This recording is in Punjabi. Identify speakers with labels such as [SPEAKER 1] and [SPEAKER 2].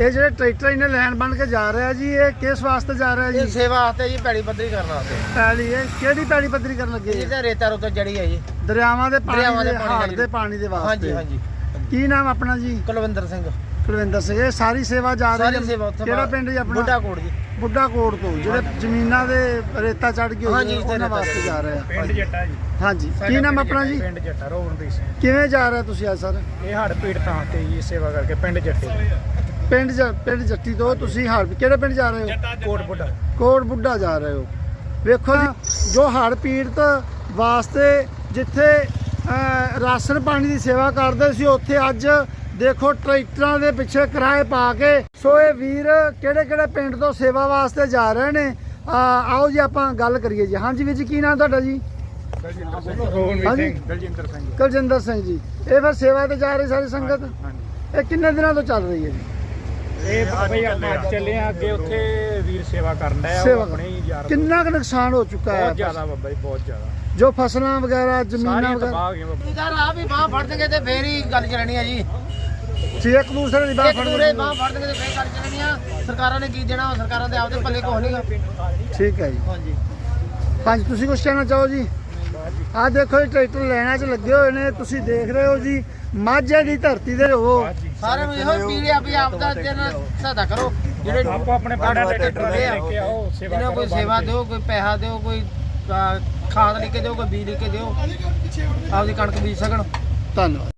[SPEAKER 1] ਇਹ ਜਿਹੜੇ ਟਰੈਕਟਰ ਇਹਨੇ ਲੈਣ ਬਣ ਕੇ ਜਾ ਰਿਹਾ ਜੀ, ਇਹ ਕਿਸ ਵਾਸਤੇ ਜਾ ਰਿਹਾ
[SPEAKER 2] ਇਹ
[SPEAKER 1] ਜੀ?
[SPEAKER 2] ਸੇਵਾ ਵਾਸਤੇ ਜੀ, ਪੈੜੀ ਪੱਧਰੀ ਕਰਨ ਵਾਸਤੇ।
[SPEAKER 1] ਪੈਲੀ ਇਹ ਕਿਹੜੀ ਪੈਲੀ ਪੱਧਰੀ ਕਰਨ ਲੱਗੇ
[SPEAKER 2] ਇਹ
[SPEAKER 1] ਜੀ?
[SPEAKER 2] ਤਾਂ ਰੇਤਾ ਰੁੱਤ ਜੜੀ ਹੈ ਜੀ,
[SPEAKER 1] ਦਰਿਆਵਾਂ ਦੇ ਪਾਣੀ
[SPEAKER 2] ਦਰਿਆਵਾਂ ਦੇ
[SPEAKER 1] ਦੇ,
[SPEAKER 2] ਪਾਣੀ
[SPEAKER 1] ਹਾੜ
[SPEAKER 2] ਦੇ
[SPEAKER 1] ਦੇ ਪਾਣੀ ਦੇ
[SPEAKER 2] ਹਾਂਜੀ
[SPEAKER 1] ਵਾਸਤੇ।
[SPEAKER 2] ਹਾਂਜੀ।
[SPEAKER 1] ਕੀ ਨਾਮ ਆਪਣਾ ਜੀ?
[SPEAKER 2] ਕੁਲਵਿੰਦਰ ਸਿੰਘ।
[SPEAKER 1] ਕੁਲਵਿੰਦਰ ਸਿੰਘ। ਇਹ ਸਾਰੀ ਸੇਵਾ ਜਾ ਰਹੀ
[SPEAKER 2] ਸਾਰੀ ਸੇਵਾ ਉੱਥੇ
[SPEAKER 1] ਕਿਹੜਾ ਪਿੰਡ ਜੀ ਆਪਣਾ?
[SPEAKER 2] ਬੁੱਢਾ ਕੋਟ ਜੀ।
[SPEAKER 1] ਬੁੱਢਾ ਕੋਟ ਤੋਂ ਜਿਹੜੇ ਜ਼ਮੀਨਾਂ ਦੇ ਰੇਤਾ ਚੜ ਗਈ ਹੋਈ
[SPEAKER 2] ਹਾਂਜੀ,
[SPEAKER 1] ਹੈ, ਉਹਨਾਂ ਵਾਸਤੇ ਜਾ ਰਹੇ ਆ।
[SPEAKER 3] ਪਿੰਡ ਜੱਟਾ ਜੀ।
[SPEAKER 1] ਹਾਂਜੀ, ਕੀ ਨਾਮ ਆਪਣਾ ਜੀ?
[SPEAKER 3] ਪਿੰਡ ਜੱਟਾ ਰੋਵਨਦੀਪ ਸਿੰਘ।
[SPEAKER 1] ਕਿਵੇਂ ਜਾ ਰਹੇ ਤੁਸੀਂ ਅੱਜ ਸਰ?
[SPEAKER 3] ਇਹ ਹੜ ਪੀੜਤਾਂ ਤੇ ਜੀ ਸੇਵਾ ਕਰਕੇ ਪਿੰਡ ਜੱਟੇ
[SPEAKER 1] ਪਿੰਡ ਜੱਟੀ ਤੋਂ ਤੁਸੀਂ ਹੜ ਕਿਹੜੇ ਪਿੰਡ ਜਾ ਰਹੇ ਹੋ?
[SPEAKER 3] ਕੋਟ ਬੁੱਢਾ।
[SPEAKER 1] ਕੋਟ ਬੁੱਢਾ ਜਾ ਰਹੇ ਹੋ। ਵੇਖੋ ਜੀ, ਜੋ ਹੜ ਪੀੜਤ ਵਾਸਤੇ ਜਿੱਥੇ ਰਾਸ਼ਨ ਪਾਣੀ ਦੀ ਸੇਵਾ ਕਰਦੇ ਸੀ, ਉੱਥੇ ਅੱਜ ਦੇਖੋ ਟਰੈਕਟਰਾਂ ਦੇ ਪਿੱਛੇ ਕਿਰਾਏ ਪਾ ਕੇ। ਸੋ ਇਹ ਵੀਰ ਕਿਹੜੇ ਕਿਹੜੇ ਪਿੰਡ ਤੋਂ ਸੇਵਾ ਵਾਸਤੇ ਜਾ ਰਹੇ ਨੇ, ਆਓ ਜੀ ਆਪਾਂ ਗੱਲ ਕਰੀਏ ਜੀ। ਹਾਂਜੀ ਵੀਰ ਜੀ, ਕੀ ਨਾਮ ਤੁਹਾਡਾ ਜੀ?
[SPEAKER 3] ਰੋਵਨਦੀਪ ਸਿੰਘ। ਦਲਜਿੰਦਰ ਸਿੰਘ।
[SPEAKER 1] ਕੁਲਜਿੰਦਰ ਸਿੰਘ ਜੀ। ਇਹ ਫਿਰ ਸੇਵਾ ਤੇ ਜਾ ਰਹੀ ਸਾਰੀ ਸੰਗਤ?
[SPEAKER 3] ਹਾਂਜੀ।
[SPEAKER 1] ਇਹ ਕਿੰਨੇ ਦਿਨਾਂ ਤੋਂ ਚੱਲ ਰਹੀ ਹੈ ਜੀ?
[SPEAKER 3] ਇਹ ਬਈ ਆਪਾਂ ਅੱਜ ਚੱਲੇ ਆ ਅੱਗੇ, ਉੱਥੇ ਵੀਰ ਸੇਵਾ ਕਰਨ ਦਾ
[SPEAKER 1] ਸੇਵਾ
[SPEAKER 3] ਆਪਣੇ ਹੀ ਯਾਰ।
[SPEAKER 1] ਕਿੰਨਾ ਕੁ ਨੁਕਸਾਨ ਹੋ ਚੁੱਕਾ ਹੈ?
[SPEAKER 3] ਬਹੁਤ ਜ਼ਿਆਦਾ ਬਾਬਾ ਜੀ, ਬਹੁਤ ਜ਼ਿਆਦਾ।
[SPEAKER 1] ਜੋ ਫਸਲਾਂ ਵਗੈਰਾ ਜ਼ਮੀਨਾਂ
[SPEAKER 3] ਸਾਰੀਆਂ
[SPEAKER 1] ਵਗੈਰਾ
[SPEAKER 3] ਤਬਾਹ ਹੋ ਗਈਆਂ ਬਾਬਾ।
[SPEAKER 2] ਯਾਰ ਆ ਵੀ ਬਾਹ ਫੜ ਦੇਗੇ ਤੇ ਫੇਰ ਹੀ ਗੱਲ ਚੱਲਣੀ ਆ ਜੀ।
[SPEAKER 1] ਸੀ ਇੱਕ ਦੂਸਰੇ ਦੀ ਬਾਹ
[SPEAKER 2] ਇੱਕ ਦੂਰੇ ਬਾਹ ਫੜ ਦੇਗੇ ਤੇ ਫੇਰ ਗੱਲ ਚੱਲਣੀ ਆ। ਸਰਕਾਰਾਂ ਨੇ ਕੀ ਦੇਣਾ? ਸਰਕਾਰਾਂ ਦੇ ਆਪਦੇ ਪੱਲੇ ਕੁਛ ਨਹੀਂਗਾ।
[SPEAKER 1] ਠੀਕ ਹੈ ਜੀ।
[SPEAKER 2] ਹਾਂਜੀ
[SPEAKER 1] ਹਾਂਜੀ, ਤੁਸੀਂ ਕੁਝ ਕਹਿਣਾ ਚਾਹੋ ਜੀ? ਆਹ ਦੇਖੋ ਜੀ, ਟਰੈਕਟਰ ਲੈਣਾ 'ਚ ਲੱਗੇ ਹੋਏ ਨੇ, ਤੁਸੀਂ ਦੇਖ ਰਹੇ ਹੋ ਜੀ। ਮਾਝੇ ਦੀ ਧਰਤੀ ਦੇ ਹੋ।
[SPEAKER 2] ਸਾਰਿਆਂ ਨੂੰ ਇਹੋ ਅਪੀਲ ਆ ਵੀ ਆਪਦਾ ਦਿਨ ਸਹਾਇਤਾ ਕਰੋ। ਜਿਹੜੇ
[SPEAKER 3] ਆਪੋ ਆਪਣੇ ਪਿੰਡਾਂ ਦੇ ਟਰੈਕਟਰ ਲੈ ਕੇ ਆਓ, ਸੇਵਾ
[SPEAKER 2] ਇਹਨਾਂ
[SPEAKER 3] ਕਰੋ।
[SPEAKER 2] ਕੋਈ ਸੇਵਾ ਦਿਓ, ਕੋਈ ਪੈਸਾ ਦਿਓ, ਕੋਈ ਖਾਦ ਲੈ ਕੇ ਦਿਓ, ਕੋਈ ਬੀਜ ਲੈ ਕੇ ਦਿਓ, ਆਪਦੀ ਕਣਕ ਬੀਜ ਸਕਣ।
[SPEAKER 1] ਧੰਨਵਾਦ।